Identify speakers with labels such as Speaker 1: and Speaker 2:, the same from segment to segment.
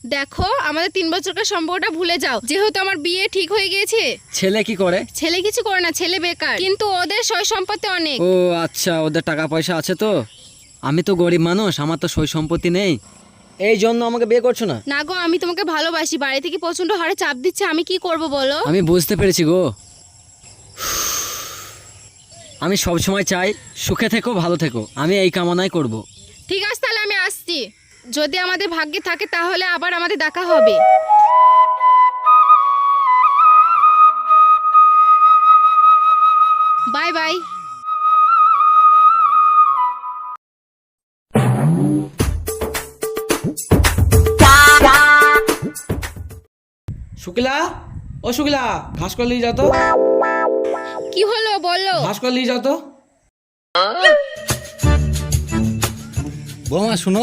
Speaker 1: দেখো আমাদের 3 বছরকার সম্পর্কটা ভুলে যাও, যেহেতু আমার বিয়ে ঠিক হয়ে গিয়েছে।
Speaker 2: ছেলে কি করে?
Speaker 1: ছেলে কিছু করে না, ছেলে বেকার, কিন্তু ওদের সয় সম্পত্তি অনেক।
Speaker 2: ও আচ্ছা, ওদের টাকা পয়সা আছে তো। আমি তো গরিব মানুষ, আমার তো সই সম্পত্তি নেই, এই জন্য আমাকে বিয়ে করছো না।
Speaker 1: না গো, আমি তোমাকে ভালোবাসি, বাড়ি থেকে প্রচন্ড হারে চাপ দিচ্ছে, আমি কি করব বলো?
Speaker 2: আমি বুঝতে পেরেছি গো। আমি সব সময় চাই সুখে থেকো, ভালো থেকো, আমি এই কামনাই করব।
Speaker 1: ঠিক আছে, তাহলে আমি আসছি। যদি আমাদের ভাগ্যে থাকে তাহলে আবার আমাদের দেখা হবে। Bye bye.
Speaker 3: শুক্লা, ও শুক্লা, ঘাস করে নিয়ে যাও তো।
Speaker 1: কি হলো বলো?
Speaker 3: ঘাস করে নিয়ে যাও তো।
Speaker 2: বৌমা শুনো।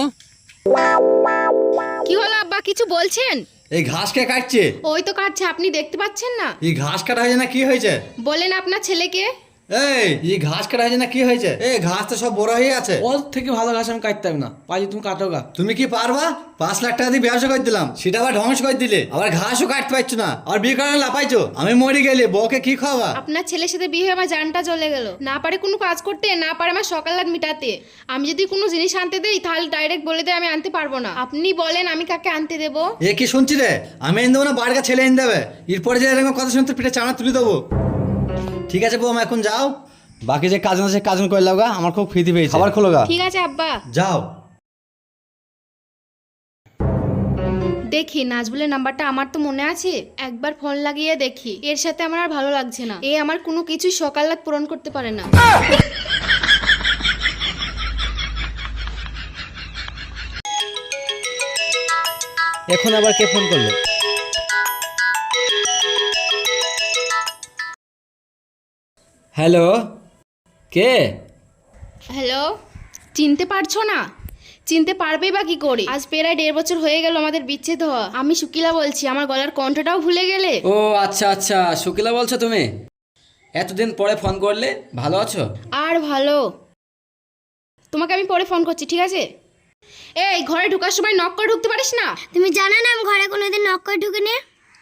Speaker 1: কি হলো আব্বা, কিছু বলছেন?
Speaker 4: এই ঘাস কে কাটছে?
Speaker 1: ওই তো কাটছে, আপনি দেখতে পাচ্ছেন না?
Speaker 4: এই ঘাস কাটা হয়েছে না কি হয়েছে?
Speaker 1: বলেন আপনার ছেলেকে।
Speaker 4: এই ঘাস কাটা হয়েছে না কি হয়েছে? এই ঘাস তো সব বড় হয়ে আছে।
Speaker 3: ওর থেকে ভালো ঘাস আমি কাটতে হবে না, পারি তুমি কাটো গা।
Speaker 4: তুমি কি পারবা? 5 লাখ টাকা দিয়ে ব্যবসা করে দিলাম, সেটা আবার ধ্বংস করে দিলে, আবার ঘাসও কাটতে পারছো না, আর বিয়ে করে লাপাইছো। আমি মরে গেলে বউকে কি খাওয়া?
Speaker 1: আপনার ছেলের সাথে বিয়ে হয়ে আমার জানটা চলে গেল। না পারে কোনো কাজ করতে, না পারে আমার সকাল রাত মিটাতে। আমি যদি কোনো জিনিস আনতে দেই তাহলে ডাইরেক্ট বলে দেয় আমি আনতে পারবো না। আপনি বলেন আমি কাকে আনতে দেবো?
Speaker 4: এ কি শুনছি রে? আমি এনে দেবো না, বাড়ির ছেলে এনে দেবে? এরপরে যে এরকম কথা শুনতে পিঠে চানা তুলে দেবো। ঠিক আছে বউ, এখন যাও, বাকি যে কাজ আছে কাজ করে লাও গা, আমার খুব খিদে পেয়েছে, খাবার খোলো গা।
Speaker 1: ঠিক আছে আব্বা।
Speaker 4: যাও।
Speaker 1: দেখি নাজবুলের নাম্বারটা আমার তো মনে আছে, একবার ফোন লাগিয়ে দেখি। এর সাথে আমার আর ভালো লাগছে না, এ আমার কোনো কিছুই সকাল রাত পূরণ করতে পারে না।
Speaker 2: এখন আবার কে ফোন করলো? হ্যালো, কে?
Speaker 1: হ্যালো, চিনতে পারছো না? চিনতে পারবে বা কি করে? আজ প্রায় 1.5 বছর হয়ে গেল আমাদের বিচ্ছেদ হওয়া। আমি শুকিলা বলছি, আমার গলার কণ্ঠটাও ভুলে গেলে?
Speaker 2: ও আচ্ছা আচ্ছা, শুকিলা বলছো তুমি? এতদিন পরে ফোন করলে, ভালো আছো?
Speaker 1: আর ভালো। তোমাকে আমি পরে ফোন করছি, ঠিক আছে? এই ঘরে ঢোকার সময় নক করে ঢুকতে পারিস না?
Speaker 5: তুমি জানো না আমি ঘরে কোনোদিন নক করে ঢুকিনি।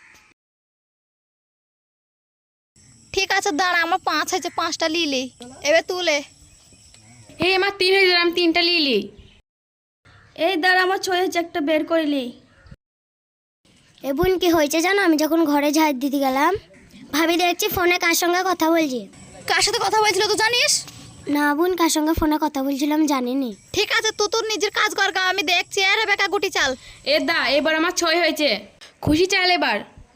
Speaker 6: ঠিক আছে দাঁড়া, আমার 5 হয়েছে, 5টা লিলি এবার তুলে।
Speaker 1: এই আমার 3 হয়ে গেল, আমি 3টা লিলি।
Speaker 6: এই দাঁড়া, আমার 6 হয়েছে, একটা বের করিলি।
Speaker 5: এ বোন কি হয়েছে জানো, আমি যখন ঘরে ঝাড় দিতে গেলাম ভাবি দেখছি ফোনে কার সঙ্গে কথা বলছি।
Speaker 6: কার সাথে কথা বলছিল তো জানিস?
Speaker 5: না বোন, কার সঙ্গে ফোনে কথা বলছিলাম জানিনি।
Speaker 6: ঠিক আছে, তুই তোর নিজের কাজ কর গা, আমি দেখছি। আরে বেকা গুটি চাল।
Speaker 1: এ দা, এবার আমার 6 হয়েছে, খুশি চাল এবার।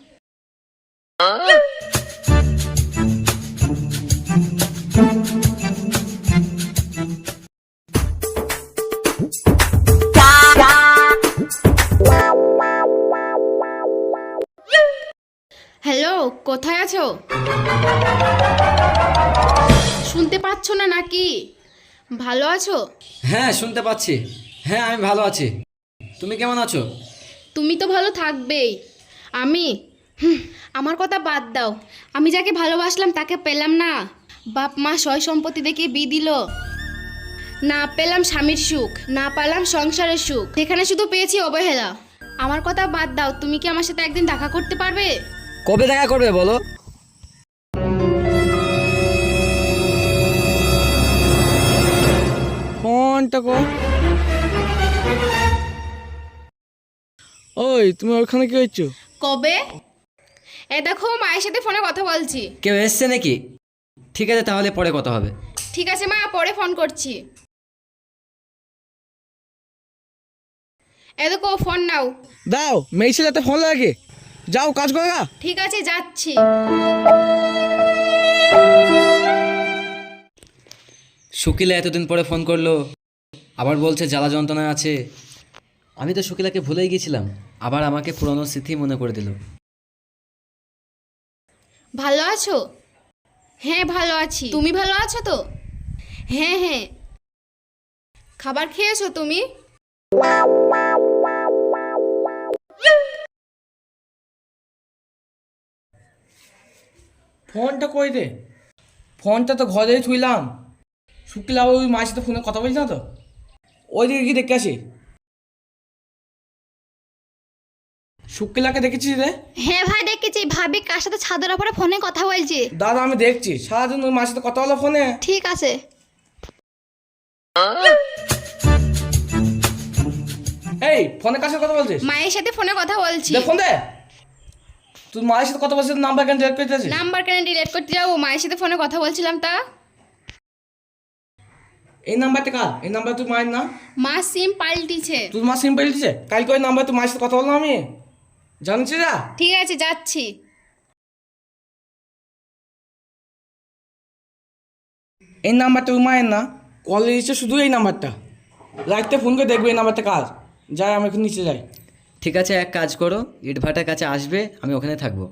Speaker 1: হ্যালো, কোথায় আছো? শুনতে পাচ্ছ না নাকি? ভালো আছো?
Speaker 2: হ্যাঁ শুনতে পাচ্ছি, হ্যাঁ আমি ভালো আছি। তুমি কেমন আছো?
Speaker 1: তুমি তো ভালো থাকবেই। আমি আমার কথা বাদ দাও। আমি যাকে ভালোবাসলাম তাকে পেলাম না। বাপ মা সয় সম্পত্তি দেখে বিয়ে দিল। না পেলাম স্বামীর সুখ, না পেলাম সংসারের সুখ, সেখানে শুধু পেয়েছি অবহেলা। আমার কথা বাদ দাও, তুমি কি আমার সাথে একদিন দেখা করতে পারবে?
Speaker 2: কবে দেখা করবে বলো?
Speaker 3: ফোনটা কর। ওই তুমি ওখানে কি হচ্ছ?
Speaker 1: কবে? এ দেখো, মায়ের সাথে ফোনে কথা বলছি।
Speaker 2: কেউ এসছে নাকি? ঠিক আছে তাহলে পরে কথা হবে।
Speaker 1: ঠিক আছে মা, পরে ফোন করছি। এ দেখো, ফোন নাও।
Speaker 3: দাও, মেয়ে ছেলেতে ফোন লাগে, যাও কাজ করো গা।
Speaker 1: ঠিক আছে, যাচ্ছি।
Speaker 2: শুকিলা এতদিন পরে ফোন করলো, আবার বলছে জ্বালা যন্ত্রণা আছে। আমি তো শুকিলাকে ভুলেই গেছিলাম, আবার আমাকে পুরনো স্মৃতি মনে করে দিল।
Speaker 1: ভালো আছো? হ্যাঁ ভালো আছি, তুমি ভালো আছো তো? হ্যাঁ হ্যাঁ। খাবার খেয়েছো তুমি?
Speaker 3: ফোনটা কই রে? ফোনটা তো ঘরেই থুইলাম। শুক্লা ওই মায়ের সাথে ফোনে কথা বলছি না তো, ওই দিকে কি দেখে আসি। শুক্লাকে দেখেছিস রে?
Speaker 6: হ্যাঁ ভাই দেখেছি, ভাবি কার সাথে ছাদের ওপরে ফোনে কথা বলছি।
Speaker 3: দাদা আমি দেখছি সারাদিন ওই মায়ের সাথে কথা বলো ফোনে।
Speaker 6: ঠিক আছে।
Speaker 3: এই ফোনে কার সাথে কথা বলছিস?
Speaker 1: মায়ের সাথে ফোনে কথা বলছি।
Speaker 3: দে ফোন দে। তুই মায়ের সাথে কথা বলছিস, নাম্বার কেন ডিলিট করতেছিস?
Speaker 1: নাম্বার কেন ডিলিট করতে যাবো? মায়ের সাথে ফোনে কথা বলছিলাম তা।
Speaker 3: এই নাম্বারটা কার? এই নাম্বার তুই মায়ের না?
Speaker 1: মা সিম পাল্টিছে।
Speaker 3: তুই মা সিম্পল দিছে কালকে ওই নাম্বার তুই মায়ের সাথে কথা বললাম আমি জানছি না।
Speaker 1: ঠিক আছে যাচ্ছি।
Speaker 3: এই নাম্বারটা ওই মায়ের না, কল দিচ্ছে শুধু এই নাম্বারটা। রাখতে ফোন করে দেখবে এই নাম্বারটা কার। যাই আমি এখন নিচে যাই।
Speaker 2: ঠিক আছে, এক কাজ করো, ইটভাটার কাছে আসবে, আমি ওখানে থাকবো।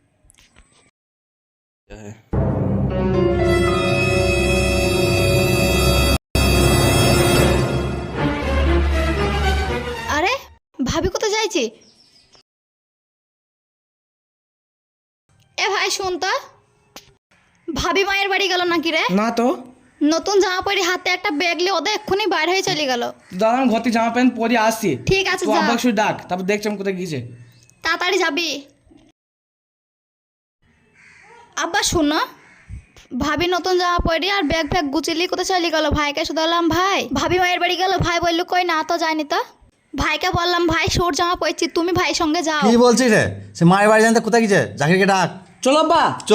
Speaker 6: আরে ভাবি কোথায় যাইছি? এ ভাই শুন তো, ভাবি মায়ের বাড়ি গেল নাকি রে?
Speaker 3: না তো
Speaker 6: নতুন জামা পরি হাতে একটা ব্যাগ নিয়ে ওদের এক্ষুনি বাইরে হয়ে চলে গেল।
Speaker 3: দাদা আমি ঘর থেকে জামা প্যান্ট পরে আসছি।
Speaker 6: ঠিক আছে,
Speaker 3: তো
Speaker 6: যা।
Speaker 3: আব্বা শুধু ডাক, তারপর দেখছি আমি কোথায় গিয়েছে।
Speaker 6: তাড়াতাড়ি যাবি। আব্বা শোনো, ভাবি নতুন জামা পরি আর ব্যাগ ফ্যাগ গুছিয়ে কোথায় চলে গেল? ভাইকে শুধু বললাম ভাই ভাবি মায়ের বাড়ি গেল, ভাই বললো কই না তো যায়নি তো। ভাইকে বললাম ভাই সোর জামা পরছি, তুমি ভাইয়ের সঙ্গে যাও।
Speaker 4: কি বলছিস রে? সে মায়ের বাড়ি জানতে কোথায় গেছে? জাকিরকে ডাক।
Speaker 3: চলো আব্বা।
Speaker 4: চ।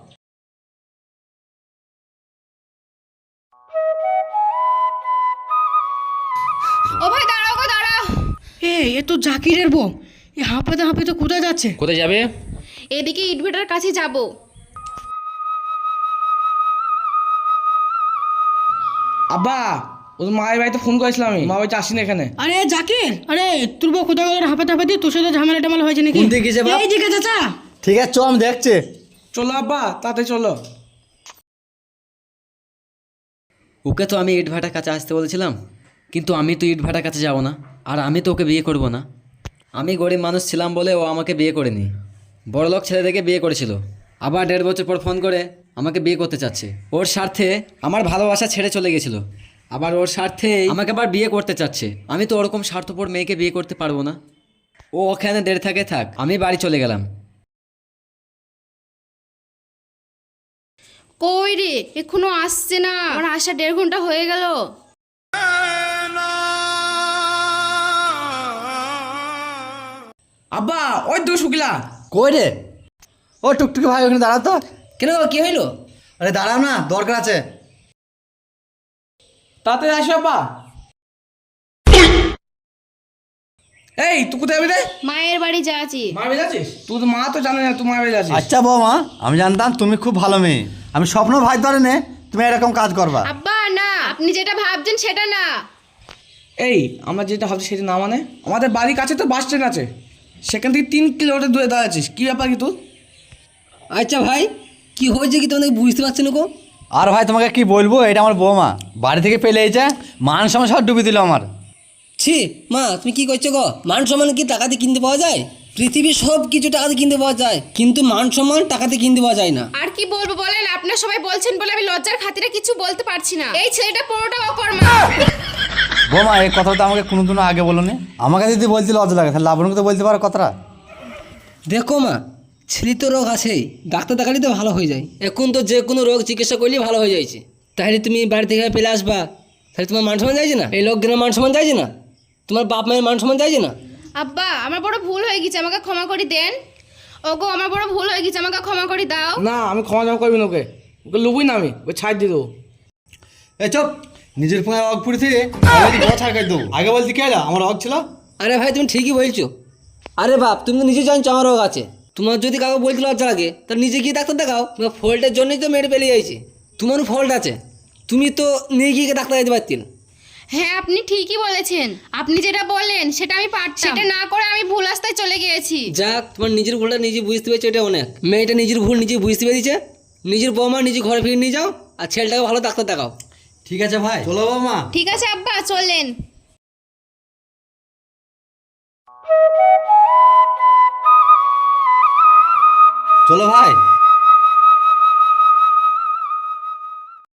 Speaker 1: ও ভাই দাঁড়াও গো দাঁড়াও।
Speaker 7: এ তো জাকিরের বউ। এ হাঁপাতে হাঁপাতে কোথায় যাচ্ছে?
Speaker 2: কোথায় যাবে?
Speaker 1: এদিকে ইটভাটার কাছে যাব।
Speaker 3: আব্বা ওর মায়ের বাড়িতে ফোন করেছিলাম আমি, মা বাড়িতে আসিনি এখানে।
Speaker 7: আরে জাকির, আরে তোর বউ কোথায় গেল? হাঁপাতে হাঁপাতে তোর সাথে ঝামেলা টামেলা হয়েছে নাকি?
Speaker 4: কোন দিকে গেছে বাপ?
Speaker 7: এই দিকে চাচা।
Speaker 4: ঠিক আছে চ, আমি দেখছি।
Speaker 3: চলো আব্বা তাড়াতাড়ি চলো।
Speaker 2: ওকে তো আমি ইটভাটার কাছে আসতে বলেছিলাম, কিন্তু আমি তো ইটভাটার কাছে যাব না, আর আমি তো ওকে বিয়ে করব না। আমি গরিব মানুষ ছিলাম বলে ও আমাকে বিয়ে করেনি, বড়লোক ছেলে দেখে বিয়ে করেছিল। আবার 1.5 বছর পর ফোন করে আমাকে বিয়ে করতে চাচ্ছে। ওর স্বার্থে আমার ভালোবাসা ছেড়ে চলে গেছিলো, আবার ওর স্বার্থে আমাকে আবার বিয়ে করতে চাচ্ছে। আমি তো ওরকম স্বার্থপর মেয়েকে বিয়ে করতে পারবো না। ও ওখানে দেড় থাকে থাক, আমি বাড়ি চলে গেলাম।
Speaker 1: কই রে, এখনো আসছে না? আমার আসা 1.5 ঘন্টা হয়ে গেল।
Speaker 3: আব্বা ওই তো শুকিলা।
Speaker 4: কই রে? ও টুকটুকি ভাই ওখানে দাঁড়াও তো।
Speaker 3: কেন কি হইলো?
Speaker 4: আরে দাঁড়াও না, দরকার আছে।
Speaker 3: তাড়াতাড়ি আসো আব্বা। এই তুই কোথায় যাবি রে?
Speaker 1: মায়ের বাড়ি যাচ্ছি।
Speaker 3: মায়ের বাড়ি যাচ্ছিস? তুই তো মা তো জানে না তুই মায়ের বাড়ি যাচ্ছিস।
Speaker 4: আচ্ছা বৌমা, আমি জানতাম তুমি খুব ভালো মেয়ে। আমি স্বপ্ন ভাই ধরে নে তুমি এরকম কাজ করবা।
Speaker 1: আব্বা না, আপনি যেটা ভাবছেন সেটা না।
Speaker 3: এই আমরা যেটা ভাবছি সেটা না মানে, আমাদের বাড়ির কাছে তো বাস স্ট্যান্ড আছে, সেখান থেকে 3 কিলোমিটার দূরে দাঁড়াচ্ছিস, কি ব্যাপার কি তোর?
Speaker 8: আচ্ছা ভাই, কি হয়েছে কি তোমাদের বুঝতে পারছি না গো?
Speaker 4: আর ভাই তোমাকে কি বলবো, এটা আমার বৌমা বাড়ি থেকে পেলে এইছে, মান সম্মান সব ডুবি দিল আমার।
Speaker 8: ছি মা, তুমি কি করছো গো? মান সম্মান কি টাকাতে কিনতে পাওয়া যায়? পৃথিবীর সব কিছু টাকাতে কিনতে পাওয়া যায়, কিন্তু মান সম্মান টাকাতে কিনতে পাওয়া যায় না।
Speaker 1: আর কি বলবো বলেন, আপনার সবাই বলছেন বলে আমি লজ্জার খাতিরে কিছু বলতে পারছি না। এই ছেলেটা পুরোটা অকর্মা।
Speaker 4: বৌমা এই কথাটা আমাকে কোনোদিনও আগে বলো নি। আমাকে যদি বলতে লজ্জা লাগে তাহলে লাবণকে তো বলতে পারো কথাটা।
Speaker 8: দেখো মা, ছেলে তো রোগ আছেই, ডাক্তার দেখালে তো ভালো হয়ে যায়। এখন তো যে কোনো রোগ চিকিৎসা করলেই ভালো হয়ে যাচ্ছে। তাহলে তুমি বাড়ি থেকে পেলে আসবা, তাহলে তোমার মান সম্মান যাইছে না? এই লোকজনের মান সম্মান যাইছে না? তোমার বাপ মায়ের মান সম্মান যাইছে না?
Speaker 1: আব্বা আমার বড় ভুল হয়ে গেছে, আমাকে ক্ষমা করে দেন। ওগো আমার বড় ভুল হয়ে গেছে, আমাকে ক্ষমা করে দাও।
Speaker 3: না আমি ক্ষমা জমা করবি না, ওকে ওকে লুবই না, আমি ওকে ছাড় দিয়ে দেবো।
Speaker 4: এই চপ, নিজের ফোনে অগ পুড়েছি ছাড় করে দেবো। আগে বলতে কে এলো? আমার অগ ছিল।
Speaker 8: আরে ভাই তুমি ঠিকই বলছো। আরে বাপ, তুমি তো নিজে জানছো আমার রোগ আছে। তোমার যদি কাউকে বলতে লজ্জা লাগে তাহলে নিজে গিয়ে ডাক্তার দেখাও। তোমার ফল্টের জন্যই তো মেরে পেলে যাইছে। তোমারও ফল্ট আছে, তুমি তো নিয়ে গিয়ে ডাক্তার যেতে পারতেন।
Speaker 1: হ্যাঁ আপনি ঠিকই বলেছেন, আপনি যেটা বললেন সেটা আমি পারতাম, সেটা না করে আমি ভুল রাস্তায় চলে গিয়েছি।
Speaker 8: যাক, তোমার নিজের ভুলটা নিজে বুঝতে পেরেছো, এটা অনেক। মেয়েটা নিজের ভুল নিজে বুঝতে পেরেছে, নিজের বৌমা নিজে ঘরে ফিরে নিয়ে যাও, আর ছেলেটাকে ভালো ডাক্তার দেখাও।
Speaker 4: ঠিক আছে ভাই, চলো বৌমা।
Speaker 1: ঠিক আছে আব্বা চলেন।
Speaker 4: চলো ভাই।